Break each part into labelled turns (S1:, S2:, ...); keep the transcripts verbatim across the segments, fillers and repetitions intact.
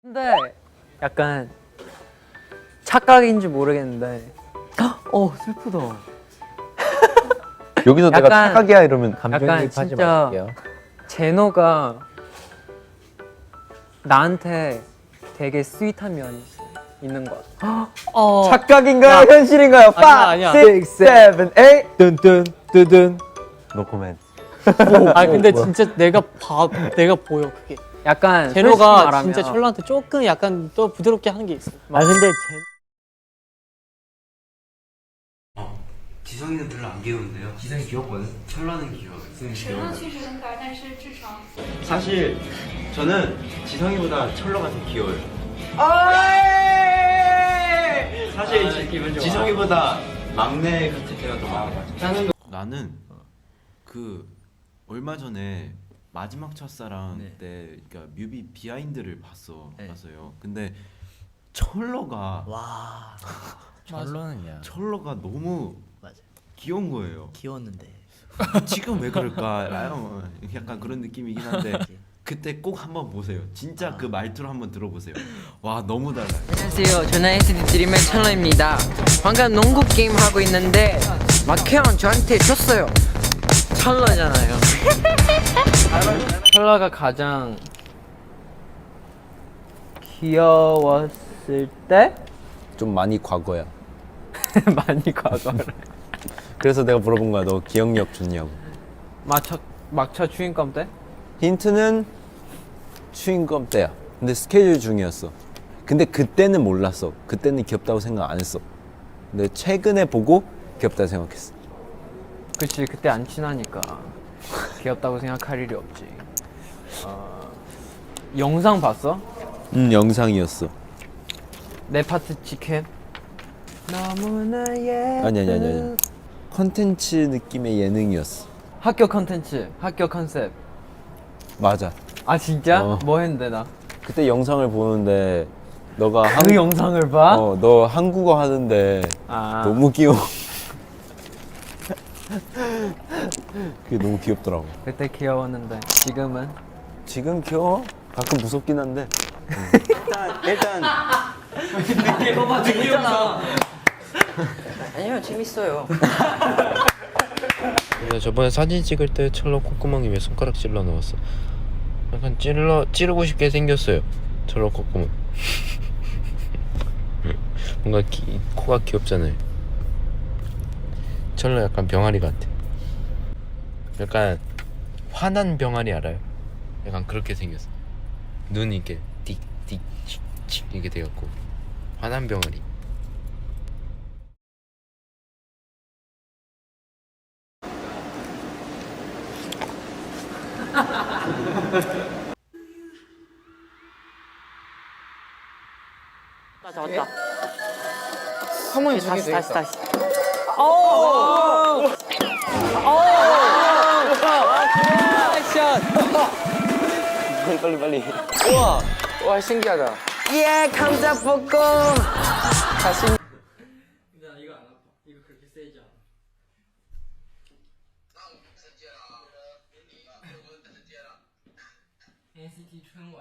S1: 근데 약간 착각인지 모르겠는데 어 슬프다.
S2: 여기서 내가
S1: 약간-
S2: 착각이야 이러면
S1: 약간
S2: 감정이입하지
S1: 진짜
S2: 마실게요.
S1: 제노가 나한테 되게 스윗한 면이 있는 것 같아.
S3: 어.
S2: 착각인가요? 현실인가요?
S3: 아니야, 아니야.
S2: five, six, seven, eight. 뜬뜬 뜨든. 노 코멘트.
S3: 아 근데 진짜 내가 봐, 내가 보여 그게.
S1: 약간 솔직히
S3: 제노가
S1: 말하면
S3: 진짜 철로한테 조금 약간 또 부드럽게 하는 게 있어.
S1: 아 근데
S4: 지성이는 별로 안 귀여운데요. 지성이 귀엽거든. 철러는 귀여워. 지성이
S5: 陈乐确实很可爱，但是智商。
S4: 사실 저는 지성이보다 철러가 더 귀여워요. 사실 지, 지성이보다 막내 같을 때가 더 많아.
S6: 나는 그 얼마 전에 마지막 첫사랑
S7: 네.
S6: 때 그러니까 뮤비 비하인드를 봤어
S7: 네.
S6: 봤어요. 근데 철러가
S7: 와 철로는요.
S6: 철러가 너무
S7: 맞아.
S6: 귀여운 거예요.
S7: 귀여웠는데.
S6: 지금 왜 그럴까? 아유, 약간 그런 느낌이긴 한데 그때 꼭 한번 보세요. 진짜
S7: 아.
S6: 그 말투를 한번 들어보세요. 와 너무 달라요.
S8: 안녕하세요. 저는 엔시티 드림의 찰러입니다. 방금 농구 게임 하고 있는데 마케형 저한테 줬어요. 찰러잖아요.
S1: 철러가 가장 귀여웠을 때
S2: 좀 많이 과거야.
S1: 많이 과거를
S2: 그래서 내가 물어본 거야. 너 기억력 좋냐고.
S1: 막차 막차 추인감 때?
S2: 힌트는 추인검 때야. 근데 스케줄 중이었어. 근데 그때는 몰랐어. 그때는 귀엽다고 생각 안 했어. 근데 최근에 보고 귀엽다 생각했어.
S1: 그치 그때 안 친하니까 귀엽다고 생각할 일이 없지. 어, 영상 봤어?
S2: 음 영상이었어.
S1: 내 파트 직캠? 너무나 예.
S2: 아니 아니 아니 아니. 컨텐츠 느낌의 예능이었어.
S1: 학교 컨텐츠, 학교 컨셉.
S2: 맞아.
S1: 아 진짜?
S2: 어.
S1: 뭐 했는데 나?
S2: 그때 영상을 보는데 너가
S1: 그
S2: 한-
S1: 영상을 봐?
S2: 어, 너 한국어 하는데
S1: 아.
S2: 너무 귀여워. 그게 너무 귀엽더라고.
S1: 그때 귀여웠는데 지금은?
S2: 지금 귀여워? 가끔 무섭긴 한데.
S4: 일단
S8: 아니요, 재밌어요.
S9: 나 저번에 사진 찍을 때 철러 콧구멍에 왜 손가락 찔러 넣었어? 약간 찔러 찌르고 싶게 생겼어요. 철러 콧구멍. 뭔가 기, 코가 귀엽잖아요. 철러 약간 병아리 같아. 약간 화난 병아리 알아요? 약간 그렇게 생겼어. 눈이 이렇게 띡띡칙칙 이렇게 돼갖고 화난 병아리.
S3: 맞아 맞다.
S1: 한번
S3: 다시 다시 다시.
S2: 빨리 빨리 빨리.
S1: 와 신기하다.
S8: 예, 감자 볶음.
S1: 엔시티春晚.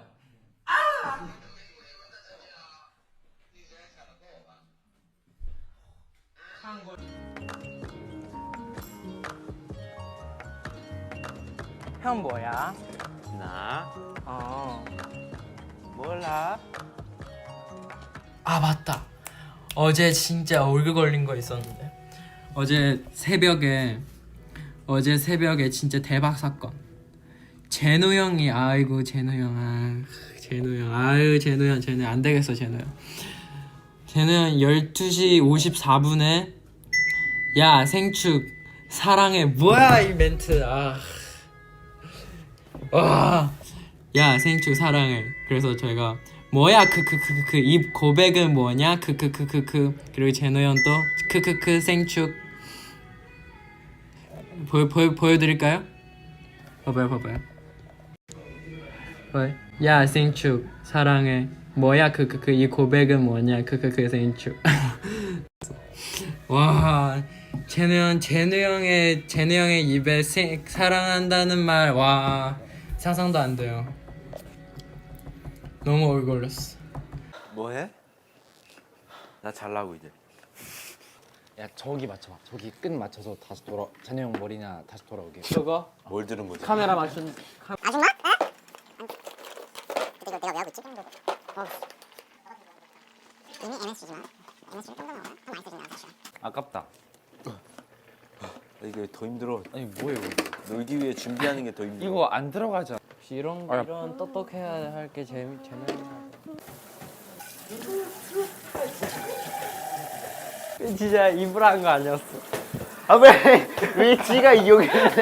S1: 형 뭐야?
S4: 나
S1: 어.
S4: 몰라.
S10: 아 맞다. 어제 진짜 얼굴 걸린 거 있었는데 어제 새벽에 어제 새벽에 진짜 대박 사건. 제노 형이 아이고 제노 형 아, 제노 형 아유 제노 형 제노 형 안 되겠어 제노 형. 제노 형 열두 시 오십사 분에 야 생축 사랑해 뭐야 이 멘트 아. 와. 야 생축 사랑해. 그래서 저희가 뭐야 크크크크크 이 고백은 뭐냐 크크크크크 그리고 제노 형 또 크크크 생축 보여 보여 보여드릴까요? 봐봐요 봐봐요. 봐요. 야 생축 사랑해 뭐야 크크크 이 고백은 뭐냐 크크크 생축. 와 제노 형 제노 형의 제노 형의 입에 생, 사랑한다는 말 와 상상도 안 돼요. 너무 얼굴 걸렸어.
S2: 뭐 해? 나 잘라고 이제.
S7: 야 저기 맞춰봐. 저기 끝 맞춰서 다시 돌아. 잔여 형 머리나 다시 돌아오게.
S3: 저거
S2: 뭘 들은 거지?
S3: 카메라 맞춘.
S2: 아깝다. 이게 더 힘들어.
S7: 아니 뭐예요?
S2: 놀기 위해 준비하는 게 더 힘들어.
S7: 이거 안 들어가잖아.
S1: 혹시 이런 이런 똑똑해야 할 게 재미 재미있나?
S3: 진짜 입으로 한 거 아니었어. 아왜왜 지가 여기 있는데?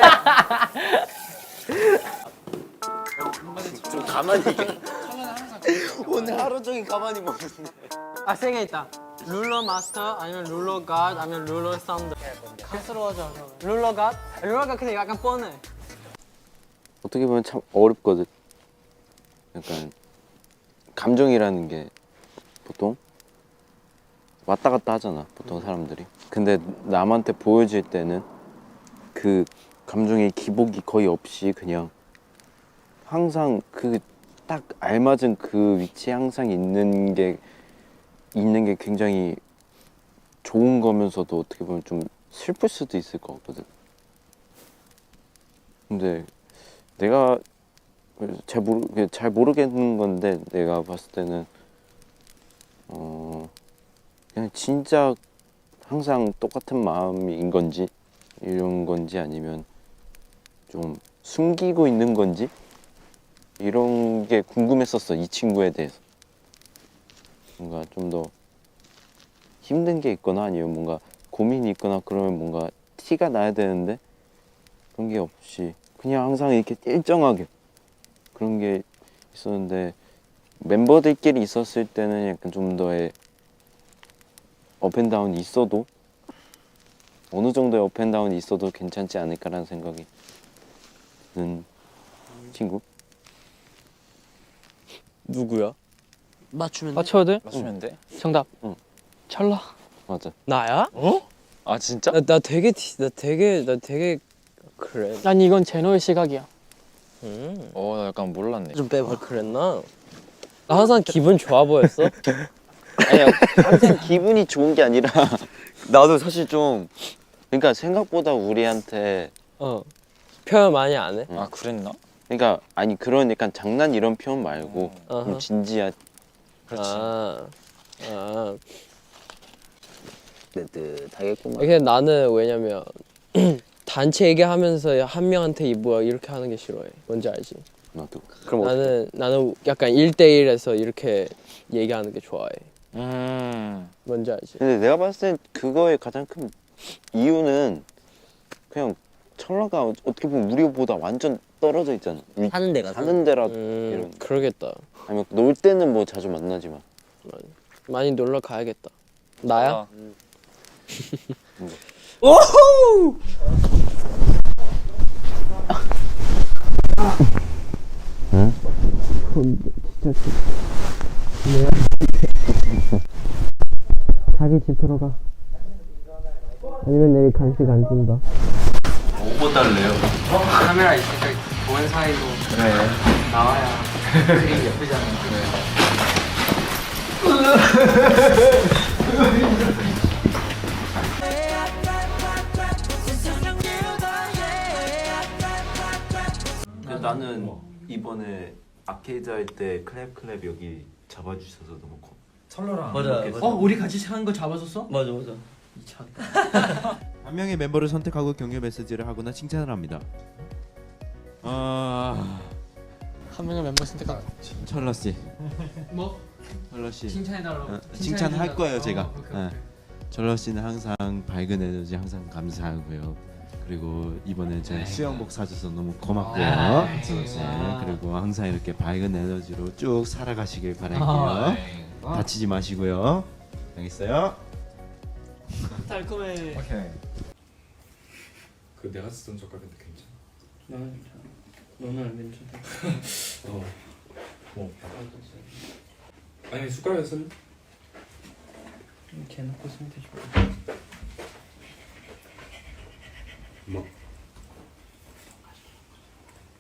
S2: 좀 가만히. 오늘 하루 종일 가만히 먹는데.
S3: 아 세 개 있다. 룰러 마스터 아니면 룰러 갓 아니면 룰러 사운드. 갓스러워져. 룰러 갓? 룰러 갓 근데 약간 뻔해.
S11: 어떻게 보면 참 어렵거든. 약간 감정이라는 게 보통 왔다 갔다 하잖아, 보통 사람들이. 근데 남한테 보여질 때는 그 감정의 기복이 거의 없이 그냥 항상 그 딱 알맞은 그 위치에 항상 있는 게 있는 게 굉장히 좋은 거면서도 어떻게 보면 좀 슬플 수도 있을 것 같거든. 근데 내가 잘 모르 잘 모르겠는 건데 내가 봤을 때는 어 그냥 진짜 항상 똑같은 마음인 건지 이런 건지 아니면 좀 숨기고 있는 건지 이런 게 궁금했었어, 이 친구에 대해서. 뭔가 좀 더 힘든 게 있거나 아니면 뭔가 고민이 있거나 그러면 뭔가 티가 나야 되는데 그런 게 없이 그냥 항상 이렇게 일정하게 그런 게 있었는데 멤버들끼리 있었을 때는 약간 좀 더의 업앤다운이 있어도 어느 정도의 업앤다운이 있어도 괜찮지 않을까라는 생각이 드는 친구.
S1: 누구야?
S8: 맞추면 돼?
S3: 맞춰도 돼?
S7: 맞추면 돼?
S3: 정답.
S11: 응.
S3: 찰나.
S11: 맞아.
S1: 나야?
S7: 어? 아 진짜?
S1: 나, 나 되게 티- 나 되게 나 되게 그래.
S3: 아니 이건 제노의 시각이야.
S1: 음.
S7: 어 나 약간 몰랐네.
S1: 좀 빼봐. 그랬나? 나 항상 기분 좋아 보였어.
S11: 아니야, 항상 기분이 좋은 게 아니라 나도 사실 좀 그러니까 생각보다 우리한테
S1: 어. 표현 많이 안 해?
S7: 아 그랬나?
S11: 그러니까 아니 그런 약간 장난 이런 표현 말고
S1: 어허.
S11: 좀 진지한
S7: 그렇지.
S1: 아. 아.
S11: 뜨뜻하겠구만.
S1: 이게 나는 왜냐면 단체 얘기하면서 한 명한테 이 뭐야 이렇게 하는 게 싫어해. 뭔지 알지?
S11: 나도. 그럼 어떡해?
S1: 나는 나는 약간 일대일에서 이렇게 얘기하는 게 좋아해.
S7: 음.
S1: 뭔지 알지?
S11: 근데 내가 봤을 땐 그거의 가장 큰 이유는 그냥 철라가 어떻게 보면 우리보다 완전 떨어져 있잖아.
S8: 사는 데가
S11: 사는 데라
S1: 음,
S11: 이런.
S1: 그러겠다.
S11: 아니면 놀 때는 뭐 자주 만나지만.
S1: 많이 놀러 가야겠다. 나야?
S7: 어.
S1: 자기 집 들어가. 아니면 내일 간식 안 준다.
S2: 뭐 달래요?
S10: 카메라 있으니까 보는 사이로
S2: 그래.
S10: 나와야 그림 예쁘잖아.
S2: 근데 나는 이번에 아케이드 할 때 클랩 클랩 여기 잡아주셔서 너무 고.
S7: 철로랑
S4: 맞아.
S10: 어 우리 같이 한 거 잡아줬어?
S4: 맞아 맞아.
S6: 한 명의 멤버를 선택하고 격려 메시지를 하거나 칭찬을 합니다. 아
S3: 한 명의 멤버 선택하.
S6: 철러 씨,
S10: 뭐?
S6: 철러 씨.
S10: 칭찬해달라고.
S6: 어, 칭찬할 거예요 제가.
S10: 어, 오케이,
S6: 어.
S10: 오케이.
S6: 철러 씨는 항상 밝은 에너지 항상 감사하고요. 그리고 이번에 제 수영복 사줘서 너무 고맙고요.
S10: 아,
S6: 네, 그리고 항상 이렇게 밝은 에너지로 쭉 살아가시길 바랄게요. 다치지 마시고요. 알겠어요?
S3: 달콤해.
S7: 오케이.
S9: 그 내가 쓰던 젓갈인데 괜찮아?
S10: 나는 괜찮아. 너는 안 괜찮아.
S9: 어. 뭐? 아니 숟가락에 쓸래?
S10: 이렇게 해놓고 쓰면 되지.
S9: 뭐?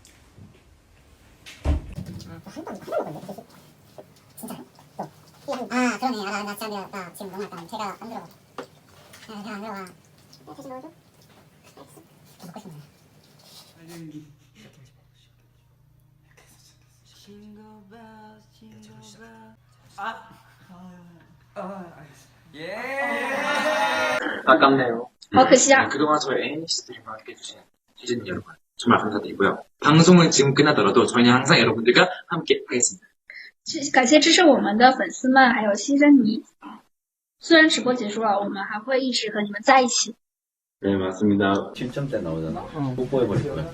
S5: 진짜요? 어. 아 그러네. 아, 나, 나 진짜 내가 나 지금 너무 약간 배가 안 들어가. 아, 배가 안 들어가. 야, 다시 넣어줘. 알겠어. 더 먹고 싶네.
S3: 아깝네요.
S5: 好可惜啊。
S3: 그동안 저희 애니시스트들과 함께해주신 시즌 여러분 정말 감사드리고요. 방송은 지금 끝나더라도 저희는 항상 여러분들과 함께 하겠습니다.
S5: 感谢支持我们的粉丝们，还有新珍妮。虽然直播结束了，我们还会一直和你们在一起。
S6: 네 맞습니다. 칠 점대 나오잖아. 뽀뽀해버릴 거야.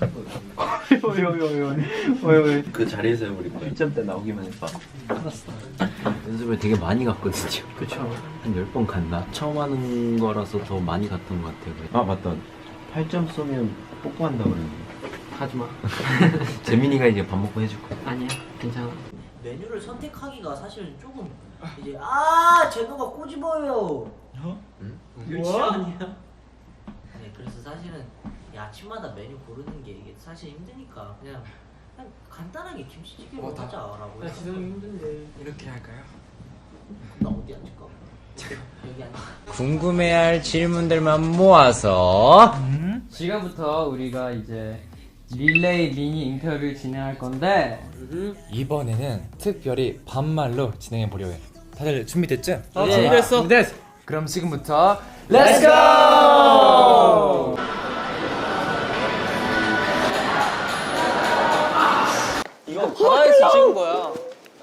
S6: 그 자리에서 해버릴 거야. 칠 점대 나오기만 해봐. 연습을 되게 많이 갔거든요. 그쵸. 한 열 번 갔나? 처음 하는 거라서 더 많이 갔던 것 같아요. 아 맞다. 팔 점 쏘면 뽀뽀한다고 그랬는데.
S10: 하지마.
S6: 재민이가 이제 밥 먹고 해줄 거야.
S10: 아니야, 괜찮아.
S12: 메뉴를 선택하기가 사실은 조금 이제 아 제노가 꼬집어요. 어?
S6: 응?
S12: 유치원이야? 네, 그래서 사실은 이 아침마다 메뉴 고르는 게 이게 사실 힘드니까 그냥 그냥 간단하게 김치찌개로
S10: 어, 다-
S12: 하자라고.
S10: 나 지성이 힘든데 이렇게 할까요?
S12: 나 어디 앉을까? 여기 앉아.
S8: 궁금해할 질문들만 모아서
S10: 지금부터 우리가 이제 릴레이 미니 인터뷰 진행할 건데
S7: 이번에는 특별히 반말로 진행해 보려고 해. 다들 준비됐죠?
S10: 아, 준비됐어.
S7: 준비됐어. 그럼 지금부터
S10: Let's go!
S1: 이거 바다에서 찍은 거야.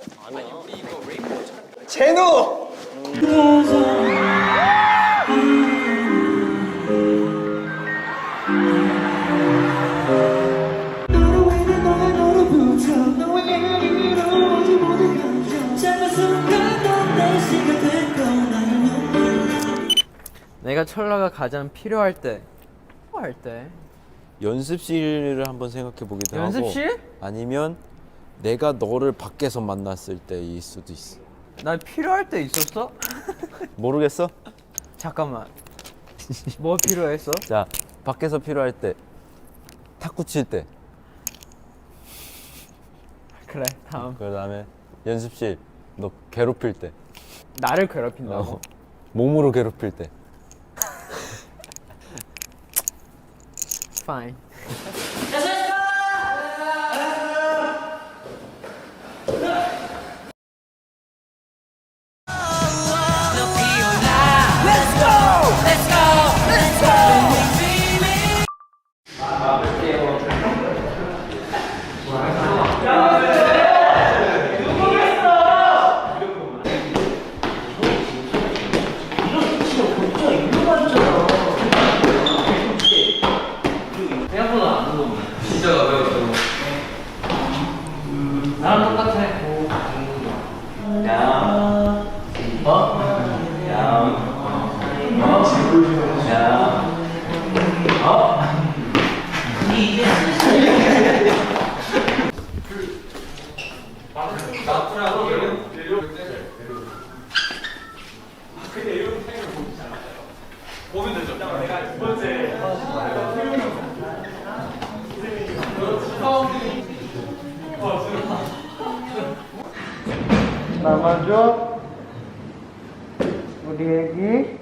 S3: 제노!
S10: 내가 철라가 가장 필요할 때 필요할 때
S2: 연습실을 한번 생각해 보기도
S10: 연습실?
S2: 하고 아니면 내가 너를 밖에서 만났을 때일 수도 있어.
S10: 나 필요할 때 있었어?
S2: 모르겠어?
S10: 잠깐만. 뭐 필요했어?
S2: 자, 밖에서 필요할 때, 탁구 칠 때,
S10: 그래, 다음.
S2: 그 다음에 연습실 너 괴롭힐 때,
S10: 나를 괴롭힌다고?
S2: 어, 몸으로 괴롭힐 때.
S10: Fine. 나랑 똑같아. 나만 줘. 우리 애기.